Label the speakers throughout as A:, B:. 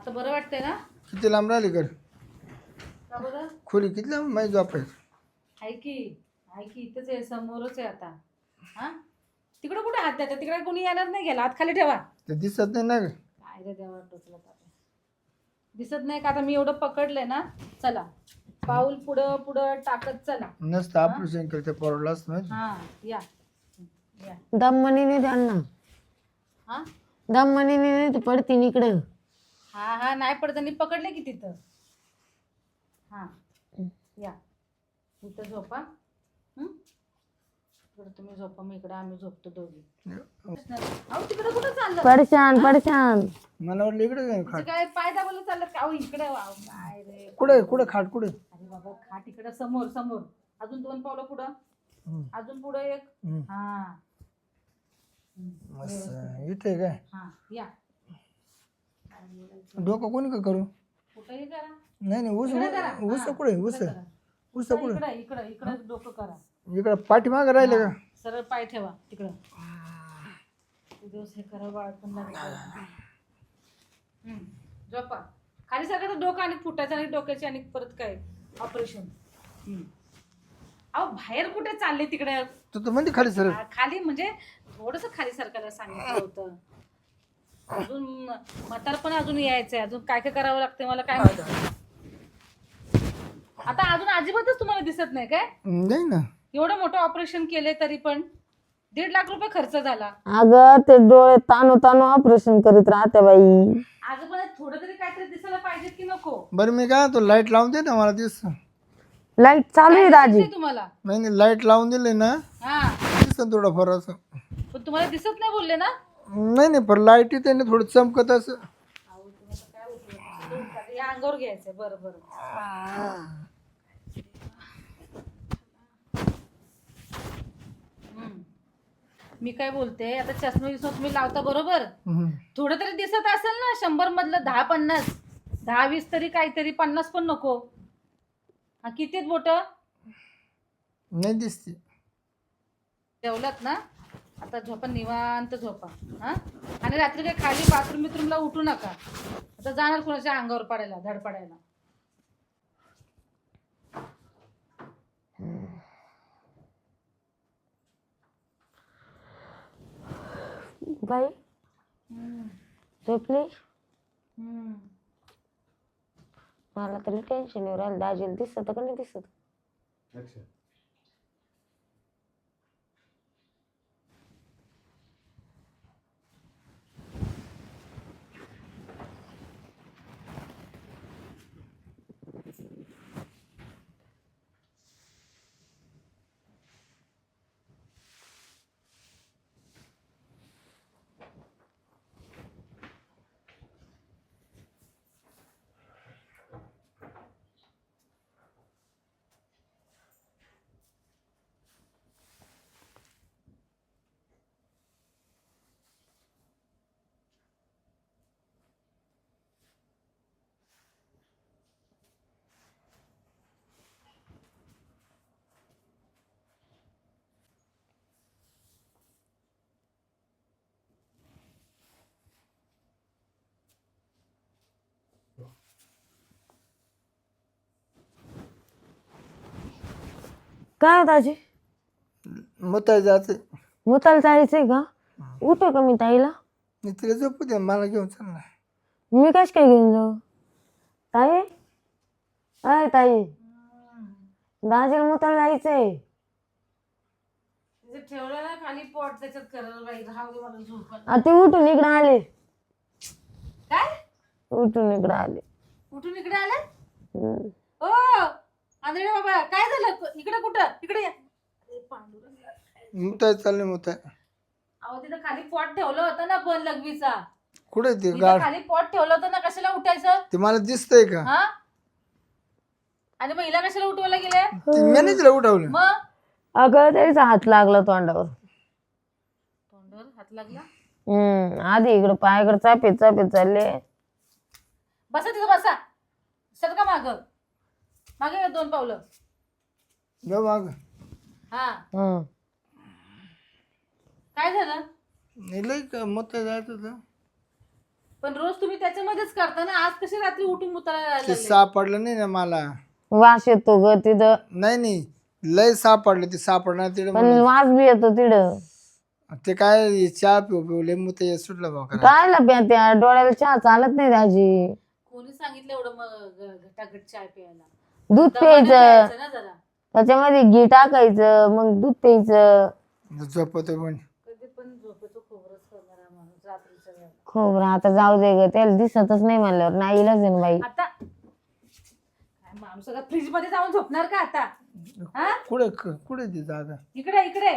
A: आता बरं वाटतंय ना?
B: किती लांब राहिली कर
A: का बरं?
B: खोली किती लांब माहिती झोपायचं.
A: आहे की इथंच आहे, समोरच आहे आता. हा तिकडं कुठे हात द्यायचा? तिकडे कोणी येणार नाही, गेला हात खाली ठेवा.
B: ते दिसत नाही ना ग.
A: काय रे देवा, टोचलं तापे. दिसत नाही का? आता मी एवढं पकडलंय ना. चला पाऊल पुढं पुढं टाकत चला.
B: नसतं ऑपरेशन केलं ते परवडलं असतं माहिती.
A: हा या या.
C: दममणीने त्यांना
A: हा
C: दममणीने नाही तर पडतीन इकडं.
A: हा नाही पडताना पकडले की तिथं. हा या इथं झोपा. इकडं तुम्ही झोपा, मी इकडं आम्ही झोपतो दोघी. अहो तिकडं कुठं चाललं?
C: पडशान पडशान.
B: मला वाटलं इकडे काय
A: तुझं
B: खाट.
A: काय पाय दाबायला चाललं का? अहो इकडे काय रे.
B: कुठे खाट कुठे.
A: अरे बाबा खाट इकडं समोर समोर. अजून 2 पावलं पुढं. अजून पुढं एक. हा
B: इथे काय
A: हा या.
B: डोकं कोणी का करू.
A: कुठंही करा.
B: नाही ऊस
A: इकडे करा.
B: ऊस
A: हा,
B: कुठे
A: इकडे
B: ऊस
A: करा.
B: ऊस कुठे.
A: इकडं इकडं इकडं डोकं करा.
B: इकडं पाठीमागं राहिलं का.
A: सरळ पाय ठेवा तिकडं. दिवस हे करा बाळ पण लागेल. झोपा खाली सगळं डोकं आणि फुटायचं आणि डोक्याची आणि परत काय ऑपरेशन. अहो बाहेर कुठे चालले तिकडे?
B: तू तर म्हणते खाली सर.
A: खाली म्हणजे थोडस खाली सरकायला सांगितलं होतं. अजून म्हातारपण अजून यायचंय. अजून काय काय करावं लागतं मला काय माहिती. आता अजून अजिबातच तुम्हाला दिसत नाही काय?
B: नाही ना.
A: एवढं मोठं ऑपरेशन केले तरी पण 1.5 लाख रुपये खर्च झाला.
C: अगं ते डोळे ताणू ताणू ऑपरेशन करीत राहते बाई.
A: अगं पण थोडं तरी काहीतरी दिसायला पाहिजे की नको?
B: बरं मी काय तो लाईट लावून दे ना मला दिस.
C: लाईट चालू आहे
A: काय
C: दाजी.
A: दिसतंय तुम्हाला?
B: नाही लाईट लावून दिले ना
A: हा
B: दिसन थोडं फार असं.
A: पण तुम्हाला दिसत नाही बोलले ना?
B: नाही पण लाईट येते ना थोडं चमकत असं.
A: अहो, तुम्हाला काय होतं? या अंगावर घ्यायचंय. बरं बरं. मी काय बोलते, आता चष्मा विष्मा तुम्ही लावता बरोबर. थोडं तरी दिसत असेल ना. 100 मधलं 10-50 10-20 तरी काहीतरी. 50 पण नको. हा किती आहेत बोट?
B: नाही दिसते.
A: जेवलात ना? आता झोपा निवांत झोपा. हा आणि रात्री काही खाली बाथरूम बिथरूमला उठू नका. आता जाणार कोणाच्या अंगावर पडायला धड पडायला.
C: बाई झोपली. मला तरी टेन्शन येऊ राहिलं. दाजीला दिसत का नाही दिसत. काय हो दाजी?
B: मग जायचं.
C: मुताला जायचंय का? उठू का मी ताईला?
B: मी तिला झोपू दे मला घेऊन चालणार.
C: मी कश काय घेऊन जाऊ? ताई अय ताई दाजीला मुताला जायचंय.
A: ठेवलं ना खाली पॉट त्याच्यात करल बाई. राहू दे मला झोप.
C: ते उठून इकडे आले.
A: काय
C: उठून इकडे आले.
A: कुठून इकडे आले? ओ आंधळे बाबा काय झालं? इकडे कुठं? इकडे या. अरे पांडुरंग.
B: मुताय चालले मुताय.
A: अहो तिथं खाली पॉट ठेवलं होतं ना पण लघवीचा.
B: कुठे ते
A: तिथं
B: गाड
A: खाली पॉट ठेवलं होतं ना. कशाला उठायचं?
B: ते मला दिसतंय का.
A: हा आणि मग हिला कशाला उठवायला गेले?
B: मी नाही तिला उठवलं.
A: मग
C: अगं त्याचा हात लागला तोंडावर.
A: तोंडावर हात लागला?
C: आधी इकडं पायाकडे चापेत चापेत चालले.
A: बसा तिथं बसा. सरका मागे 2 पावलं.
B: जाऊ माग.
A: हा काय झालं?
B: लई का मुताय जायचं होतं.
A: पण रोज तुम्ही त्याच्यामध्येच करता ना, आज कशी रात्री उठून मुताला
B: ते
A: लागले?
B: सापडलं नाही ना मला.
C: वास येतो ग तिथं,
B: नाही नाही, लय सापडलं. ते सापडणार तिकडे
C: पण वास बी येतो तिथं.
B: ते काय चहा पिऊ पिऊ लय मुते सुटलं भाऊ.
C: काय प्या त्या डोळ्याला चहा चालत नाही दाजी.
A: कोणी सांगितलं एवढं मग घटाघट चाय प्यायला?
C: दूध
A: दमाने
C: प्यायचं,
A: प्यायचं ना जरा.
C: त्याच्यामध्ये घी टाकायचं, मग दूध प्यायचं.
B: झोपतो पण.
A: कधी पण झोपेचं खोबरच करणारा माणूस रात्रीच्या वेळेला.
C: खोबरं आता जाऊ दे ग, त्याला दिसतच नाही म्हणल्यावर नाही इलाज आहे ना बाई.
A: आता काय माणूस आता फ्रीज मध्ये जाऊन झोपणार का आता? हा,
B: कुठे कुठे ती जागा?
A: इकडे इकडे.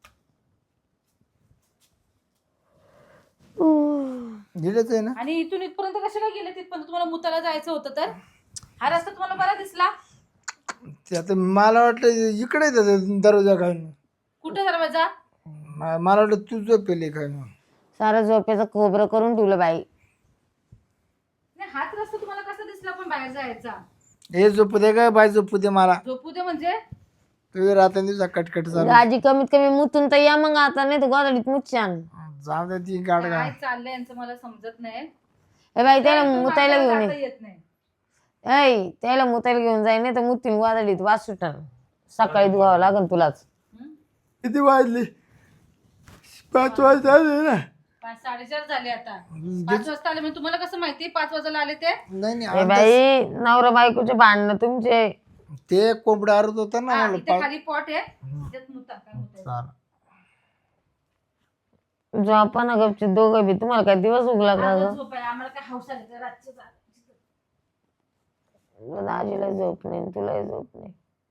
B: गेलेच आहे ना.
A: आणि इथून इथपर्यंत कशाला गेले? तिथपर्यंत तुम्हाला मुताला जायचं होतं तर हा रस्ता तुम्हाला बरा दिसला?
B: ते आता मला वाटलं इकडे दरवाजा काय.
A: कुठे दरवाजा?
B: मला वाटलं तू झोपेली काय.
C: सारं झोपेचं खोबरं करून ठेवलं बाई.
A: नाही, हाच रस्ता तुम्हाला कसा दिसला पण बाहेर जायचा?
B: हे झोपू दे काय बाय, झोपू दे मला.
A: झोपू दे म्हणजे?
B: तुझ्या रात्री दिवसा कटकट चालू.
C: दाजी कमीत कमी मुतून तर या मग, आता नाही तर गोदडीत मुच्छान.
B: जाऊ दे ती गाड
A: काय चाललंय यांचं मला समजत नाही.
C: ए बाई त्याला
A: काय तू
C: मुतायला
A: मागायला
C: घेऊन
A: जाता
C: ये.
A: येत नाही.
C: ऐ त्याला मुतायला घेऊन जाई, नाही तर मुतीन गोदडीत वास सुटन. सकाळी धुवावं लागल तुलाच.
A: हं?
B: किती वाजली? 5 वाजता आले ना.
A: 5:30 झाले आता. 5 वाजता आले म्हणजे तुम्हाला कसं माहिती 5 वाजायला आले ते?
B: नाही
C: ए
B: नाही,
C: बाई नवरा बायकोचे भांडणं तुमचे.
B: ते कोंबडा आरत होता ना
A: हा,
B: मला.
A: इथे खाली पॉट आहे त्याच्यात मुता. काय मुतायचं?
C: झोपा ना गपचे दोघं बी. तुम्हाला काय दिवस उगला का
A: आजच
C: ग?
A: झोप आहे. आम्हाला काय हौस आली का रातची जायची?
C: दाजीला झोप नाही, तुलाही झोप नाही.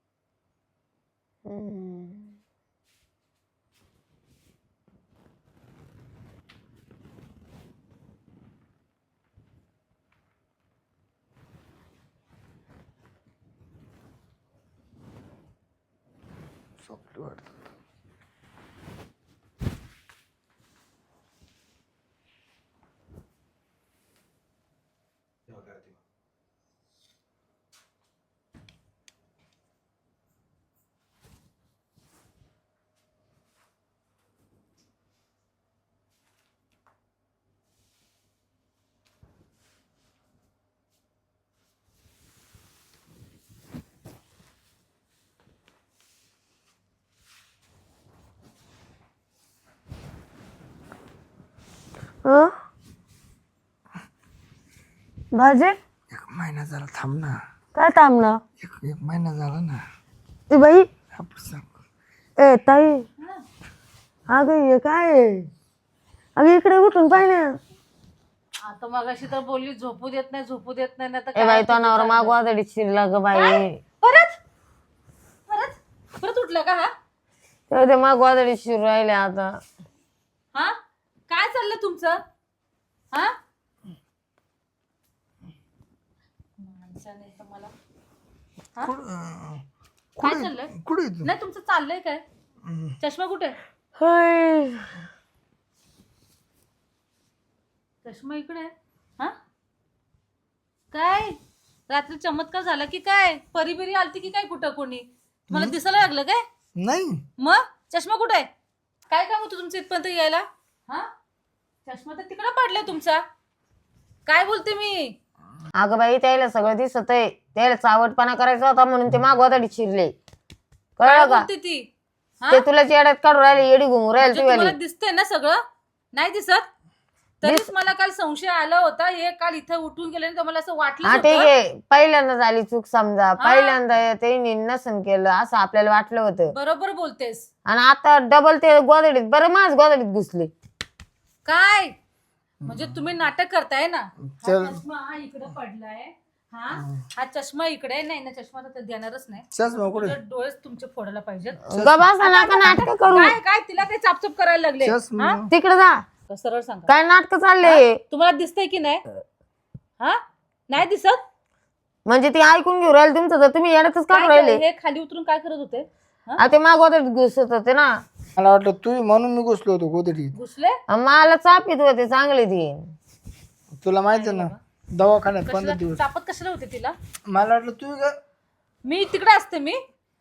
B: झोपली वाटतं.
C: भाजी
B: 1 महिना झाला, थांब ना.
C: काय थांबलं?
B: एक महिना झाला ना.
C: ए बाई,
B: आपण सांग.
C: ए ताई, अगं हे काय आहे? अगं इकडे उठून पाहिजे.
A: आता मगाशी तर बोलली झोपू देत नाही, झोपू देत नाही. ना तर
C: ए बाई तो नवरा मागवा तरी शिरला ग बाई.
A: परत परत परत उठलं का हा?
C: ते मागवा तरी शिरू राहिले आता.
A: हा, काय चाललं तुमचं? हा, माणसाने तर मला काय चाललंय?
B: कुठे आहे तू?
A: नाही तुमचं चाललंय काय? चष्मा कुठे?
C: होय.
A: चष्मा इकडे आहे. हा, काय रात्री चमत्कार झाला की काय? परी बिरी आलती की काय? कुठं कोणी तुम्हाला दिसायला लागलं काय?
B: नाही.
A: मग चष्मा कुठे आहे? काय काम होतं तुमचं इथपर्यंत यायला? हा, चष्मा तर तिकडे पडलाय तुमचा. काय बोलते मी?
C: अगं बाई त्याला सगळं दिसत आहे. त्याला चावटपणा करायचा होता म्हणून ते मागवा तरी शिरले.
A: काय
C: कळलं का?
A: बोलते ती? हा?
C: ते तुला येड्यात काढून राहिले, येडी घुमू राहील
A: म्हणजे
C: ती वाली.
A: तुम्हाला दिसतंय ना सगळं? नाही दिसत? तरीच मला काल संशय आला होता. हे काल इथं उठून गेले तर मला असं वाटलं
C: हा ठीक आहे, पहिल्यांदा झाली चूक समजा. पहिल्यांदा ते नसन केलं असं आपल्याला वाटलं होतं.
A: बरोबर बोलतेस.
C: आणि आता डबल ते गोदडीत, बरं माझ गोदडीत घुसले.
A: काय म्हणजे तुम्ही नाटक करताय ना? हा
B: चल.
A: चष्मा हा इकडे पडलाय. हा चष्मा इकडे नाही ना. चष्मा तर देणारच नाही.
B: चष्मा कुठे?
A: तुझे डोळेच तुमचे फोडायला पाहिजेत.
C: गबासा नका नाटक करू.
A: काय काय तिला काही चापचूप करायला लागले?
B: चष्मा.
C: तिकडे जा.
A: सरळ सांगा,
C: काय नाटक चालले?
A: तुम्हाला दिसतंय की नाही? हा, नाही दिसत?
C: म्हणजे ती ऐकून घेऊ राहिले तुमचं, तर तुम्ही येड्यातच काढून राहिले.
A: हे खाली उतरून काय करत होते?
C: ते माग गोदडीत घुसत होते ना.
B: मला वाटलं तू म्हणून मी घुसलो होतो गोदडीत.
A: घुसले?
C: मला चापीत होते चांगले ती.
B: तुला माहिती आहे ना, दवाखान्यात 15
A: कशाला
B: दिवस.
A: चापत कशाला होते तिला?
B: मला वाटलं तू
A: मी तिकडे असते. मी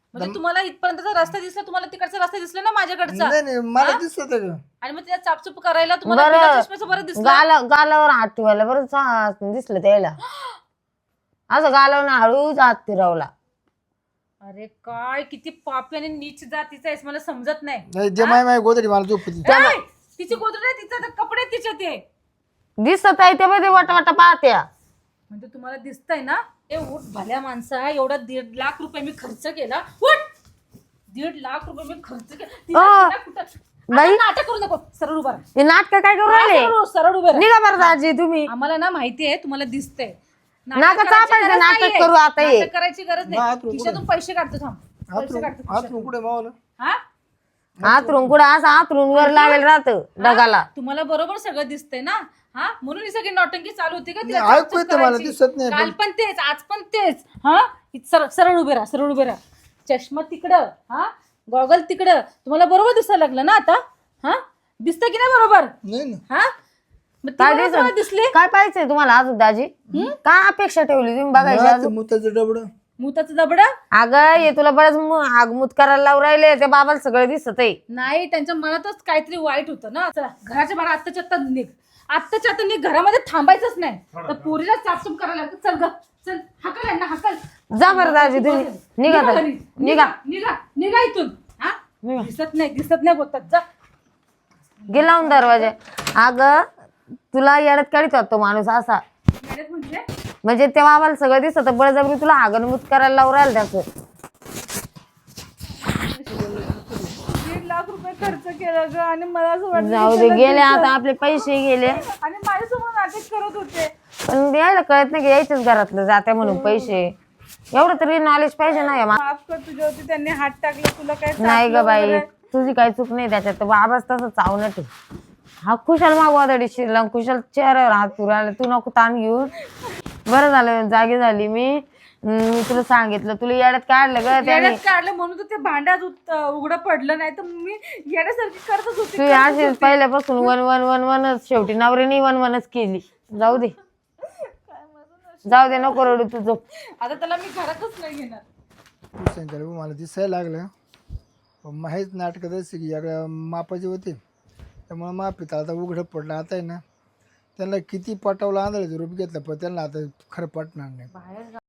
A: म्हणजे तुम्हाला इथपर्यंतचा रस्ता दिसला, तुम्हाला तिकडचा रस्ता दिसला ना माझ्याकडचा,
B: नाही नाही मला दिसत का
A: आणि मग तिला चापचूप करायला तुम्हाला बिना चष्म्याचं बरं दिसलं.
C: गालावर हात ठेवायला बरं दिसलं त्याला. असं गालावर हळूच हात फिरवला.
A: अरे काय किती पापी आणि नीच जातीचा आहेस, मला समजत नाही.
B: नाही जे माय गोदडी मला झोपती.
A: काय? तिची गोदडी आहे, तिचं तर कपडे तिचे ते.
C: दिसत आहे ते मध्ये वाटा पाहत्या.
A: म्हणजे तुम्हाला दिसतंय ना, ए उठ भल्या माणसा, एवढा 1.5 लाख रुपये मी खर्च केला. उठ, 1.5 लाख रुपये मी खर्च केला.
C: बाई
A: नाटक करू नको, सरळ उभा राहा.
C: हे नाटक काय करू राहिले?
A: सरळ उभे राहा.
C: निघा बरं दाजी तुम्ही.
A: आम्हाला ना माहितीये तुम्हाला दिसतंय.
C: नाका चापायचं नाटक करू आता. हे
A: नाटक करायची गरज नाही. खिशातून पैसे काढतो, थांब. पैसे काढतो
B: हात कुठे मावलं.
A: हा,
C: आतरून कुठं असं आतरून वर लावेल राहत डगाला.
A: तुम्हाला बरोबर सगळं दिसतंय ना. हा, म्हणून ही सगळी नौटंकी चालू होती का? तिला
B: ऐकू
A: चापचूप
B: येतं मला,
A: करायची.
B: दिसत नाही.
A: काल पण तेच, आज पण तेच. हा, सरळ उभे राहा, सरळ उभे राहा. चष्मा तिकडं, हा, गॉगल तिकडं. तुम्हाला बरोबर दिसायला लागलं ना आता? हा, दिसतं की नाही बरोबर?
B: नाही ना.
A: हा, मग ती
C: काय
A: बरोबर तुम्हाला दिसली.
C: काय पाहिजे तुम्हाला अजून दाजी? काय अपेक्षा ठेवली तुम्ही बघायची अजून?
B: मुताचं डबड.
A: मुताचं दबडा
C: अगं हे तुला बरंच आगमूत करायला लावून राहिले. त्या बाबाला सगळं दिसत आहे.
A: नाही, त्यांच्या मनातच काहीतरी वाईट होतं ना. चला घराच्या बाहेर आत्ताच्या आत्ता निघ, आत्ताच्या आत्ता निघ. घरामध्ये थांबायचंच नाही. तर पोरीला चापचूप करायला लागतं. चल ग, चल, हकल यांना, हकल.
C: जा बरं दाजी तुम्ही. निघा
A: निघा
C: दाजी.
A: घरी.
C: निघा
A: निघा निघा इथून. हा, दिसत नाही बोलतात. जा.
C: गेला दरवाजा. अगं तुला येड्यात काढीत होता तो माणूस असा.
A: मॅडम म्हणजे
C: म्हणजे तेव्हा आम्हाला सगळं दिसत बळजबरी तुला आगनमूत करायला लावून राहिलं त्याचं.
A: 1.5 लाख रुपये खर्च केला ग, आणि मला असं वाटलं
C: जाऊ दे, गेले आता आपले पैसे गेले.
A: आणि माझ्यासमोर नाटक करत होते.
C: पण यायला कळत नाही की यायच्याच घरातलं जाते म्हणून पैसे. एवढं तरी नॉलेज पाहिजे ना.
A: माफ कर, तुझ्यावरती त्यांनी हात टाकला, तुला काय
C: नाही ग बाई, तुझी काही चूक नाही त्याच्यात. बाबाच तसं चावणट आहे. हा खुशाल मागवा शिरला, खुशाल चेहऱ्यावर हात फिरायला. तू नको ताण घेऊन. बरं झालं जागी झाली मी तुला सांगितलं. तुला येड्यात काढलं ग त्याने.
A: येड्यात काढलं म्हणून तर ते भांड्यात उघडं पडलं, नाही तर मी येण्यासारखी करतच होती.
C: तू अशीच पहिल्यापासून वन वन वन वनच. शेवटी नवऱ्याने वन वनच केली. जाऊ दे, जाऊ दे, नको रडू तुझं.
A: आता त्याला मी घरातच नाही घेणार.
B: तू सांगितलं मला दिसायला लागलं. माहीत नाटकं तशी की या मापाचे होते, त्यामुळे माफीत आता उघडं पडलं. आता आहे ना, त्यांना किती पटवलं आंधळाचं रूप घेतलं, पण त्यांना आता खरं पटणार नाही.